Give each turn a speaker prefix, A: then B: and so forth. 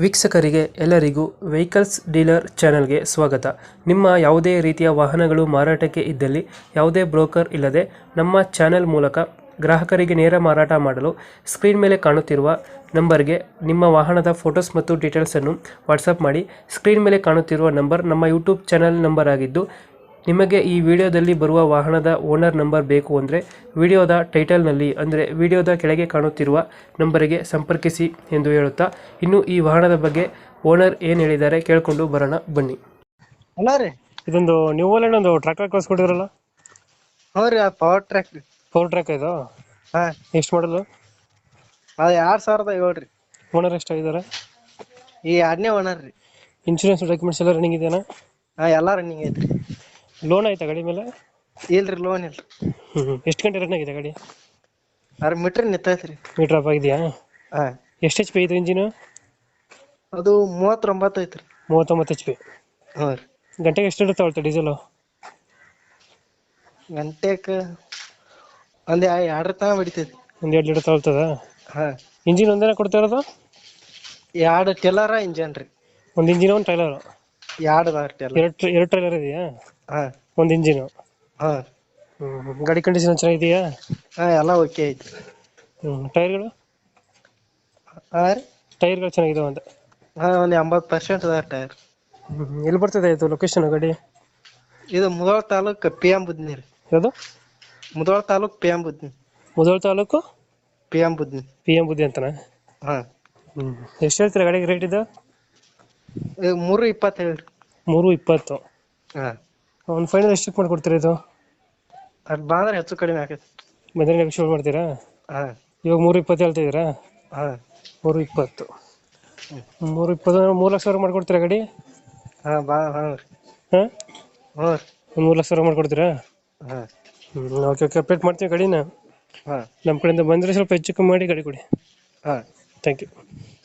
A: ವೀಕ್ಷಕರಿಗೆ ಎಲ್ಲರಿಗೂ vehicles dealer ಚಾನೆಲ್ಗೆ ಸ್ವಾಗತ. ನಿಮ್ಮ ಯಾವುದೇ ರೀತಿಯ ವಾಹನಗಳು ಮಾರಾಟಕ್ಕೆ ಇದ್ದಲ್ಲಿ ಯಾವುದೇ ಬ್ರೋಕರ್ ಇಲ್ಲದೆ ನಮ್ಮ ಚಾನೆಲ್ ಮೂಲಕ ಗ್ರಾಹಕರಿಗೆ ನೇರ ಮಾರಾಟ ಮಾಡಲು ಸ್ಕ್ರೀನ್ ಮೇಲೆ ಕಾಣುತ್ತಿರುವ ನಂಬರ್ಗೆ ನಿಮ್ಮ ವಾಹನದ ಫೋಟೋಸ್ ಮತ್ತು ಡೀಟೇಲ್ಸನ್ನು ವಾಟ್ಸಪ್ ಮಾಡಿ. ಸ್ಕ್ರೀನ್ ಮೇಲೆ ಕಾಣುತ್ತಿರುವ ನಂಬರ್ ನಮ್ಮ ಯೂಟ್ಯೂಬ್ ಚಾನೆಲ್ ನಂಬರ್ ಆಗಿದ್ದು, ನಿಮಗೆ ಈ ವಿಡಿಯೋದಲ್ಲಿ ಬರುವ ವಾಹನದ ಓನರ್ ನಂಬರ್ ಬೇಕು ಅಂದರೆ ವಿಡಿಯೋದ ಟೈಟಲ್ನಲ್ಲಿ ಅಂದರೆ ವಿಡಿಯೋದ ಕೆಳಗೆ ಕಾಣುತ್ತಿರುವ ನಂಬರಿಗೆ ಸಂಪರ್ಕಿಸಿ ಎಂದು ಹೇಳುತ್ತಾ, ಇನ್ನು ಈ ವಾಹನದ ಬಗ್ಗೆ ಓನರ್ ಏನು ಹೇಳಿದ್ದಾರೆ ಕೇಳಿಕೊಂಡು ಬರೋಣ ಬನ್ನಿ.
B: ಹಲೋ ರೀ.
A: ಇದೊಂದು ನ್ಯೂ ಓಲೆಂಡ್ ಒಂದು ಟ್ರ್ಯಾಕ್ಟರ್ ಕಳಿಸ್ಕೊಟ್ಟಿದ್ರಲ್ಲ?
B: ಹ್ಞೂ ರೀ, ಪವರ್ ಟ್ರ್ಯಾಕ್ ರೀ.
A: ಪವರ್ ಟ್ರ್ಯಾಕ್ ಇದು
B: ಹಾಂ,
A: ಎಷ್ಟು ಮಾಡಲು?
B: ಅದು 2007 ರೀ.
A: ಓನರ್ ಎಷ್ಟಾಗಿದ್ದಾರೆ?
B: ಈ 2ನೇ ಓನರ್ ರೀ.
A: ಇನ್ಶೂರೆನ್ಸ್ ಡಾಕ್ಯುಮೆಂಟ್ಸ್ ಎಲ್ಲ ರನ್ನಿಂಗ್ ಇದೆಯಾ?
B: ಹಾಂ, ಎಲ್ಲ ರನ್ನಿಂಗ್ ಐತ್ರಿ.
A: ಲೋನ್ ಆಯ್ತಾ ಗಾಡಿ ಮೇಲೆ?
B: ಇಲ್ರಿ, ಲೋನ್ ಇಲ್ರಿ.
A: ಎಷ್ಟು ಗಂಟೆ ರನ್ ಆಗಿದೆ ಗಾಡಿ?
B: 6 ಮೀಟ್ರ್ ನಿಂತೈತ್ರಿ.
A: ಮೀಟರ್ ಅಪ್ ಆಗಿದೆಯಾ?
B: ಹಾಂ.
A: ಎಷ್ಟು ಎಚ್ ಪಿ ಇದು ಇಂಜಿನು?
B: ಅದು 39 ಐತ್ರಿ.
A: 39 ಎಚ್ ಪಿ.
B: ಹ್ಞೂ ರೀ.
A: ಗಂಟೆಗೆ ಎಷ್ಟು ತಗೊಳ್ತಾ ಡೀಸೆಲು?
B: ಗಂಟೆಗೆ ಒಂದು 2 ತನಕ ಹೊಡಿತೈತಿ.
A: ಒಂದು 2 ಲೀಟರ್ ತಗೊಳ್ತದ?
B: ಹಾಂ.
A: ಇಂಜಿನ್ ಒಂದೇನ ಕೊಡ್ತಾ ಇರೋದು?
B: 2 ಟೆಲರ ಇಂಜನ್ ರೀ.
A: ಒಂದು ಇಂಜಿನ್ ಒಂದು ಟ್ರೈಲರ್?
B: 2 ಟೆಲರ್.
A: ಎರಡು ಟ್ರೈಲರ್ ಇದೆಯಾ?
B: ಹಾಂ.
A: ಒಂದು ಇಂಜಿನು?
B: ಹಾಂ.
A: ಗಾಡಿ ಕಂಡೀಷನ್ ಚೆನ್ನಾಗಿದೆಯಾ?
B: ಹಾಂ, ಎಲ್ಲ ಓಕೆ ಐತಿ.
A: ಟೈರ್ಗಳು?
B: ಹಾಂ ರೀ.
A: ಟೈರ್ಗಳು ಚೆನ್ನಾಗಿದಾವೆ ಅಂತ?
B: ಹಾಂ, ಒಂದು 80% ಅದ ಟೈರ್.
A: ಎಲ್ಲಿ ಬರ್ತದೆ ಇದು ಲೊಕೇಶನ್ ಗಾಡಿ?
B: ಇದು ಮುಧೋಳ ತಾಲೂಕು PM ಬುದ್ನಿ ರೀ.
A: ಯಾವುದು?
B: Mudhol taluk PM ಬುದ್ನಿ.
A: Mudhol taluk
B: PM ಬುದ್ನಿ.
A: PM ಬುದ್ಧಿ ಅಂತನಾ?
B: ಹಾಂ.
A: ಎಷ್ಟು ಹೇಳ್ತೀರಾ ಗಾಡಿಗೆ ರೇಟ್ ಇದು?
B: 320 ಹೇಳ್ರಿ.
A: 320.
B: ಹಾಂ.
A: ಒಂದು ಫೈನಲ್ ಎಷ್ಟಕ್ಕೆ ಮಾಡ್ಕೊಡ್ತೀರಾ ಇದು?
B: ಅದು ಬಂದ್ರೆ ಹೆಚ್ಚು ಕಡಿಮೆ ಆಕೈತಿ.
A: ಬಂದರೆ ನೆಗೋಷಿಯೇಟ್ ಮಾಡ್ತೀರಾ?
B: ಹಾಂ.
A: ಇವಾಗ 320 ಹೇಳ್ತಿದ್ದೀರಾ?
B: ಹಾಂ.
A: 320. 320 3 ಲಕ್ಷ ಮಾಡ್ಕೊಡ್ತೀರಾ ಗಾಡಿ?
B: ಹಾಂ, ಹಾಂ ರೀ.
A: ಹಾಂ,
B: ಹ್ಞೂ ರೀ.
A: ಒಂದು 3 ಲಕ್ಷ ಮಾಡ್ಕೊಡ್ತೀರಾ?
B: ಹಾಂ.
A: ಓಕೆ ಓಕೆ, ಅಪ್ಡೇಟ್ ಮಾಡ್ತೀವಿ ಗಾಡಿನ.
B: ಹಾಂ.
A: ನಮ್ಮ ಕಡೆಯಿಂದ ಬಂದರೆ ಸ್ವಲ್ಪ ಹೆಚ್ಚು ಕಮ್ಮಿ ಮಾಡಿ ಗಾಡಿ ಕೊಡಿ.
B: ಹಾಂ.
A: Thank you.